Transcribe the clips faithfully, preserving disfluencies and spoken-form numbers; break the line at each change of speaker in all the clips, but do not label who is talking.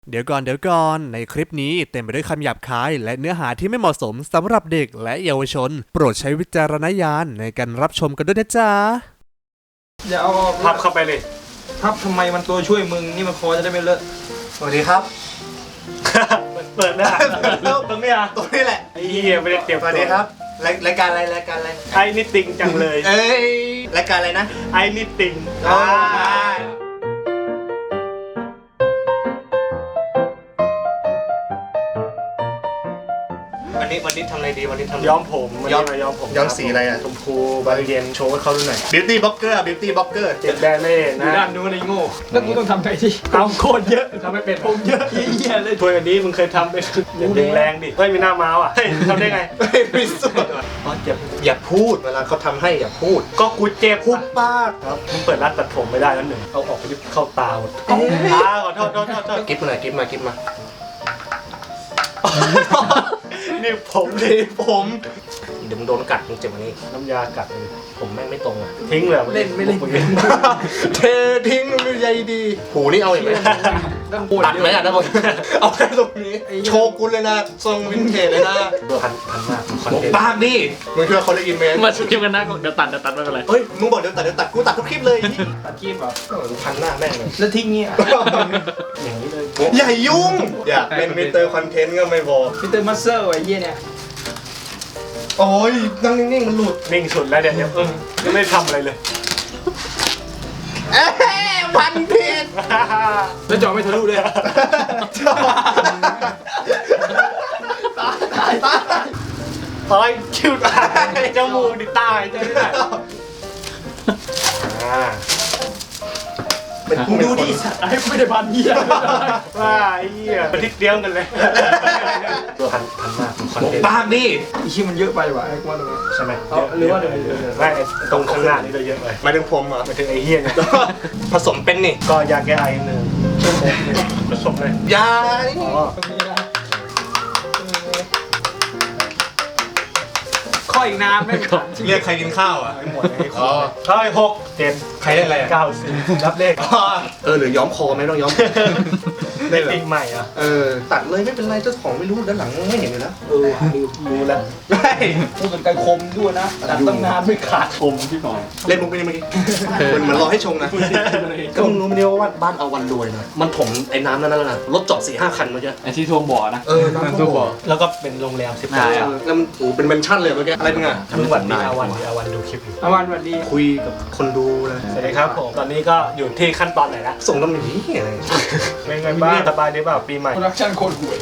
เดี๋ยวก่อนเดี๋ยวก่อนในคลิปนี้เต็มไปด้วยคำหยาบคายและเนื้อหาที่ไม่เหมาะสมสำหรับเด็กและเยาวชนโปรดใช้วิจารณญาณในการรับชมกันด้วยนะจ๊ะ
อย่าเอา
พับเข้าไปเลย
พับทำไมมันตัวช่วยมึงนี่มันคอจะได้ไม่เลอะ
สวัสดีครับ
เปิดหน้าตรงนี้อ่ะ
ตรงนี้แหละ
ไอ้เหี้ยไม่ได้เตรียม
สวัสดีครับรายการอะไรรายการอะไร
ไอ้นี่ติงจังเลย
เอ้ยรายการอะไรนะ
ไอ้นี่ติง
อ่าวันนี้วันนี้ทำอะไรดีวันนี้ทำ
ย้อมผมย้อมย้อมผม
ย้อมสีอะไรอ่ะ
ชมพูบานเย็นโชว์ให้เขาดูหน่อย
Beauty Blogger Beauty Blogger
เจ็ดแบรนด์ไม่นะ
ด้านนู้นไอ้โง่แล้วกูต้องทำไงที่เอาโคตรเยอะ
ทำไม่เป็น
ผมเยอะเหี้ยเลย
ถ้วยอันนี้มึงเคยทำเป็นอย่างแรงดิเฮ้ยมีหน้าม้าอ่ะเฮ้ยทำได้ไง
ไม่สุดอ๋ออย่าอย่าพูดเวลาเขาทำให้อย่าพูด
ก็กูเจ็บ
พูดป้า
ครับมึงเปิดร้านตัดผมไม่ได้แล้วหนึ่งเอาออกไปเข้าตาหมดตาขอโทษโทษโทษ
กิ๊บมาหน่อยกิ๊บมากิ๊บมา
นี่ผมนี่
ผมเดี๋ยวมึงโดนกัดมึงเจ็บวันนี้
น้ำยากัดเลย
ผมแม่งไม่ตรงอ่ะ
ทิ้งเลย
เล่นไม่เล่น
เททิ้งมันใหญ่ดีหูนี่เอาอย่างไรตัดไหมอ่ะนะผมเอาแค่ตรงนี้โชกุนเลยนะทรงวินเทจเลยนะ
พันพันมาก
คอนเทนต์ปากดิมึงคิดว่าเขาได้ยินไหม
มาชิมกันนะเดี๋ยวตัดเดี๋ยวตัดไม่เป็นไร
เฮ้ยมึงบอกเดี๋ยวตัดเดี๋ยวตัดกูตัดทุกคลิปเลย
ตัดคลิปเหรอ
พันหน้าแม่งเลย
แล้วทิ้งเงี้ย
อย่างนี้เลย
อย่ายุ่งอยากเป็นมิสเตอร์คอนเทนต์ก็ไม่บอก
มิสเตอร์มัสเซอร์ไอ้เหี้ยเนี่ย
โอ้ยนั่งนิ่งๆมันหลุด
นิ่งสุดแล้วเดี๋ยวเออยังไม่ทำอะไรเลย
เอ๊ะพันผิด
แล้วจอไม่ทะลุเลย
ตายตายตาย
เฮ้ยคิวตายจมูกดิตายจะได้อ่า
เป็นกูดูดิ
ไอ้ไม่ได้พันเหี้ย
ว่าไอ้เหี้ยมันทิศเดียวกันเลยตัวพันพันมากคอนเทนต์
ปากดิ
ไอ้ชิ้นมันเยอะไปว่ะไอ้กว่าตรงนี้
ใช่ไหม
หรือว่าเดี๋ยว
ไม่ตรงข้างหน้านี่เราเยอะไป
มาถึงผมอ่ะ
มาถึงไอ้เหี้ยเนี่ย
ผสมเป็นนี่
ก็ยาแก้ไอหนึ่งผสมเลย
ยา
ข้ออีกน้ำไม่ก่อน
เรียกใครกินข้าวอ่ะ
ไม่หมดไอ้ข้อข้าวไอ้หกเจ็ด
ใครได้อะไร
เก้าสิบรับเลข
เออหรือย้อมคอไหมต้องย้อม
ได้ปีใหม่อ่ะ
เออตัดเลยไม่เป็นไรเจ้าของไม่รู้ด้านหลังไม่เห็นเลยนะ
เออรู้แล้ว
ไม่
พูดกันไกลคมด้วยนะตัดตั้งนานไม่ขาด
คมพี่หน่อย
เล่นมุกไปนี่เมื่อกี้เหมือนรอให้ชงนะก็มึงรู้ไหมว่าบ้านเอาวันรวยนะมันถมไอ้น้ำนั่นแล้วนะรถจอดสี่ห้าคันเมื่อกี้
ไอ้ที่ท่วมบ่อนะ
เออน้ำท่วมบ่อ
แล้วก็เป็นโรงแรมสิบดาว
แล้วมันโอ้เป็นเมนชั่นเลยเมื่อกี้อะไรมึงอ่ะ
ทั้งวันดีอาวันดีอาวันดูคลิปอยู่
อาวันวันดี
คุยกับคนดูเลย
สวัสดีครับผมตอนนี้ก็อยู่ที่ขั้นตอนไหนละ
ส่งน้ำหนีอะไร
เป็นไงบ้างสบายดีเปล่าปีใหม่
โปรดักชั่นโคตรห่วย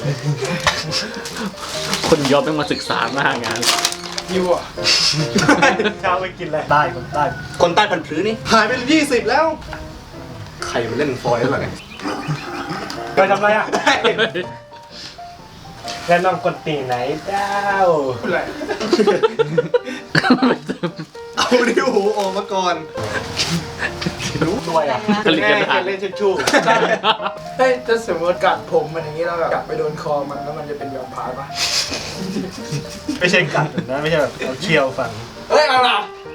คนยอมต้องมาศึกษามากงาน
ยูอ่ะ
เช้าไปกินอะไรใต้คนใต้
คนใต้พันธุ์พื้นนี่หายไปยี่สิบแล้วใครมาเล่นฟอยล์อะไร
ไปทำอะไรอ่ะแล้วน้องคนตีไหนเจ้า
อะไร
เอาดิวหูออกมาก่อน
รู้ด้วยอ่ะ
ก็เล่นเล่นชู้เฮ้ยถ้าสมมติกัดผมมันอย่างนี้แล้วแบบกัดไปโดนคอมันแล้วมันจะเป็นยอมพายปะ
ไม่ใช่กัดนะไม่ใช่แบบเอาเคี้ยวฟัน
เฮ้ยเอาล่ะ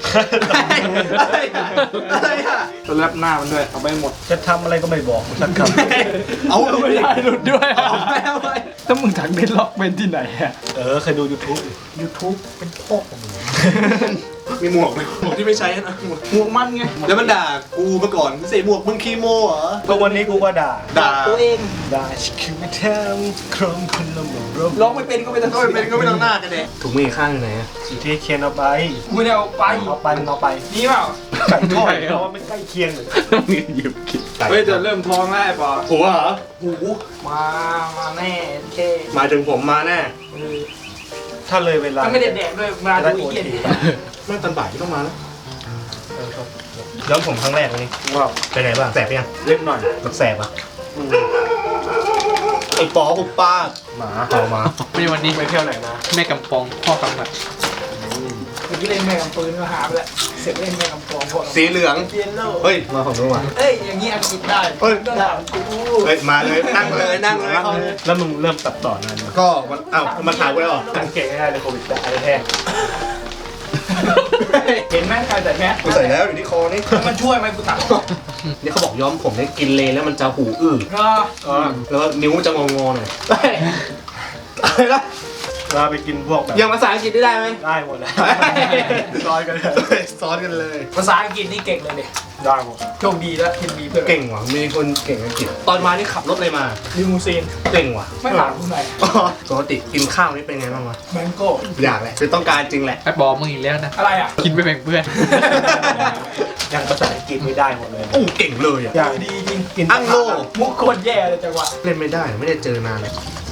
อะไรอ่ะ
จะแลบหน้ามันด้วยเอาไปหมด
จะทำอะไรก็ไม่บอกสักคำ
เอา
ไม่ได้หลุดด้วยเอาไปเอาไปถ้ามึงถังเบ็ดล็อกเป็นที่ไหนอ่ะ
เออเคยดู YouTube
YouTube เป็นพ่อของมึงมีหมวกไหมหมวกที่ไม่ใช้นะ
หมวกมันไง
แล้วมันด่ากูมาก่อนใส่หมวกมึงคีโมเหรอ
ก็วันนี้กูก็ด่า
ด่า
ตัวเอง
ด่าคือไม่ทำครองคนละหมด
ร้องไม่เป็นก็ไม่ต้อง
ก็ไม่เป็นก็ไม่ต้องหน้ากันเลยถุงมือข้างไหน
อยู่ที่เคียนเอาไป
กูไม่ได้เอาไป
เอาไปเอาไป
นี่เปล่า
ไก่ทอดเพราะว่ามันใกล้เคียงเลย
หยิบกิน
เฮ้ยจะเริ่มท้องแล้วไอ้ปอ
หัวเหรอ
หูมามาแน่เค
มาถึงผมมาแน่
ถ้าเลยเวลา
ไม่ได้แดกด้วยมาดูอีกเย็น
เมื่อตอนบ่ายที่ต้องมาแล้ว
ย้อมผมครั้งแรกวันนี้
ว้าวเป็นไงบ้างแสบยัง
เล็กหน่อย
มันแสบอ่ะไอ้ปอหุบป้าหมาเอามา
มีวันนี้ไปเที่ยวไหนมาแม่กำปองพ่อกำบัด
เมื่อกี้เล่นแม่กำปืนก็หาไปแล้วเสร็จเล่นแม่กำปองพอ
สีเหลืองเฮ้ยมาของนู้นมา
เอ้ยอย่างนี้อังกฤษได้
เฮ้ยเฮ้ยมาเลยนั่งเลยนั่งเลย
แล้วมึงเริ่มตัดต่อนาน
ก็มันอ้าวมาถ่ายไว้หรอ
สังเกตง่ายๆเลยโควิดอะไรแท้
เห็นไหมใครใส่แมส
กูใส่แล้วอยู่ที่คอนี่
มันช่วยไหมกูถาม
นี่เขาบอกย้อมผมเนี่ยกินเลแล้วมันจะหูอื้อ
ก็
อ่าแล้วนิ้วจะงองๆหน่อยอะไรนะ
เราไปกินพวกแบบ
ยังภาษาอังกฤษได้ไหม
ได้หมดแล้วซอยกันเลย
ซ้อนกันเลย
ภาษาอังกฤษนี่เก่งเลยเนี่ย
ได้หมด
โชคดีแล้วที่มีเพื่อน
เก่งว่ะมีคนเก่งอังกฤษตอนมานี่ขับรถอะไรมา
ลิมูซีน
เก่งว่ะ
ไม่ถามคุณไหน
อ๋อปกติกินข้าวนี่เป็นไงบ้างวะ
แมงโก้
อยากแหละคือต้องการจริงแหละ
ไอ้บอกมึงอีกแล้วนะ
อะไรอ่ะ
กินไปแบ่งเพื่อน
อย่างภาษาอังกฤษไม่ได้หมดเลย
โอ้เก่งเลยอ่ะ
อย่างดีจริงกิน
อังโล
มุกโคตรแย่เลยจังหวะ
เล่นไม่ได้ไม่ได้เจอนานเลย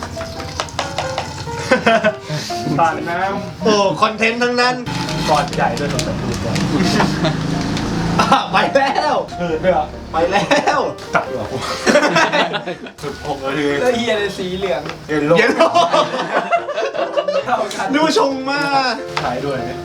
ผ่านน้
โอ้คอนเทนต์ทั้งนั้น
ำก่อนใหญ่ด้วยสำหรับดูก่อน
อ่ะไปแล้ว
เออด้วยเหรอ
ไปแล้ว
ตัดดีกว่ากูสุดหกนาที
แล้วเฮียเลยสีเหลือง
เย็นโลก
เย็นโล
เท่ากัน
ดูชงมาก
ถ่ายด้วยเนี่ย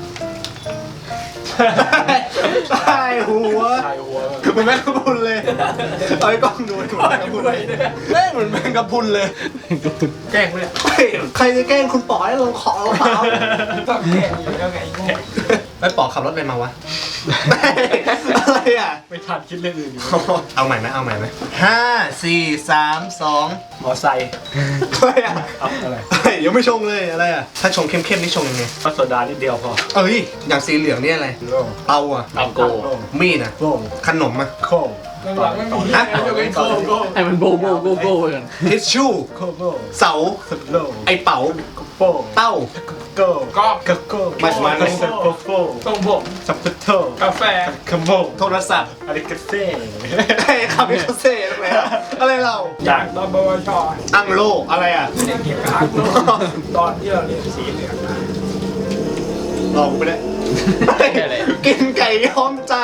ใช่หัว
ถ่ายหัว
เหมือนแมงกะพรุนเลยเอาไอ้กล้องดูเหมือนแมงกะพรุนเลยแม่งเหมือนแมงกะพรุนเลย
แกล้งเลย
เฮ้ยใครจะแกล้งคุณป๋อให้ลงขอเราเปล่า
ต้องแกล้งอยู่แล้วไงไอ้โง่
ไอ้ป๋อขับรถอะไรมาวะ อะไรอ่ะ
ไม่ทันคิดเรื่องอื่นอยู่
เอาใหม่ไหมเอาใหม่ไหมห้าสี่สามสอง
มอไซค์
อะไรอ่ะ
เอาอะไร
เฮ้ยยังไม่ชงเลยอะไรอ่ะถ้าชงเข้มๆนี่ชงยังไง
พัสโซดานิดเดียวพอ
เอ้ยอย่างสีเหลืองนี่อะไร
โล่ง
เตาอ่ะ
ตังโก
มีดอ่ะ
โล่ง
ขนมอ่ะ
โค้ง
หลังๆไม่มีนะยกเว้นโก้โก้
ให้มันโบโบโบโบไปกัน
ทิชชู่
โค้งโล่
เสา
สุดโล่ง
ไอเป๋า
โป้ง
เต้า
โก้
ก็
กะโก้
มันมัน
สับโป้โป้
ตรงผม
สับปะโต
กาแฟ
คาโม
โทรศัพท์
อะไรกันเซ่
ไอ้คาเมคาเซ่อะไรอะอะไรเรา
อยาก
ตอนบวช
อังโลอะไรอ่ะ
ไม่ได้เกี่ยวกับอักโลตอนที่เราเรียนสีเหลืองนะ
ลองไปเลยกินไก่ย้อมใจ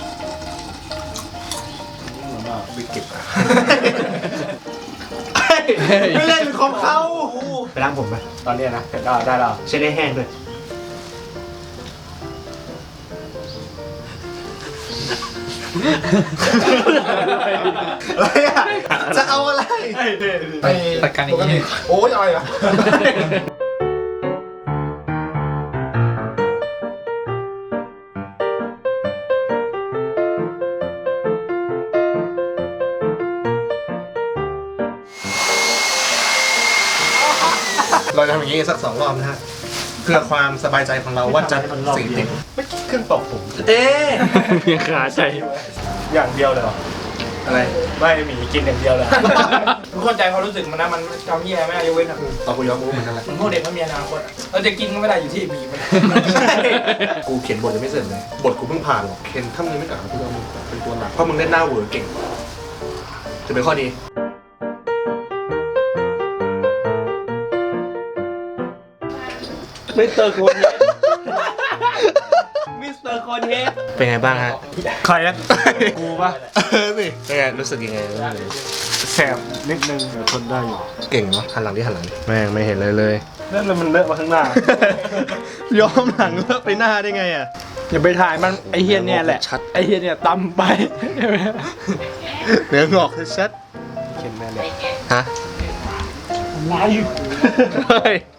เหมือนว่าวิกฤตอะ
ไม่เล่นของเขาไปล้างผมไป
ตอนเนี้ยนะได้ได้แล้ว
เช็ดให้แห้งด้วยอะไรอ่ะจะเอาอะไร
ไป
ตัดการอย่างนี้
โอ้ยอะไรอ่ะ
เราจะทำอย่างนี้สักสองรอบนะฮะเพื่อความสบายใจของเราว่าจะสีติด
ไม่คิดเครื่องตอกผม
เอ๊ะ
เพียงขาใจ
อย่างเดียวเลยเหรอ
อะไร
ไม่หมีกินอย่างเดียวเลย
ทุกคนใจความรู้สึกมันนะมันจำแย่ไม่ได้ยกเว้นอ่ะ
เอากูย้อมกูเหมือนกันแหละ
มันพวกเด็กมันมีอนาคตอะเราจะกินก็ไม่ได้อยู่ที่บีมัน
กูเขียนบทยังไม่เสร็จเลยบทกูเพิ่งผ่านหรอกเคนถ้ามึงไม่กลับมากูจะเอามึงเป็นตัวหลักเพราะมึงเล่นหน้าเวอร์เก่งจะเป็นข้อดี
มิสเตอร์โคนเฮดมิสเตอร์โคนเฮด
เป็นไงบ้างฮะ
ใครนะกูปะ
เออสิเป็นไงรู้สึกยังไง
แสบนิดนึงเดี๋ยวทนได้อยู่
เก่งเนาะหันหลังที่หันหลังแม่งไม่เห็นเลยเลย
นั่นแล้วมันเลอะมาข้างหน้า
ย้อมหลังเลอะไปหน้าได้ไงอ่ะ
อย่าไปถ่ายมันไอเฮียเนี่ยแหละ
ชัด
ไอเฮียเนี่ยตำไป
เนื้องอกชัด
เข็นแม่เลย
ฮะ
ลายอยู่
เฮ้ย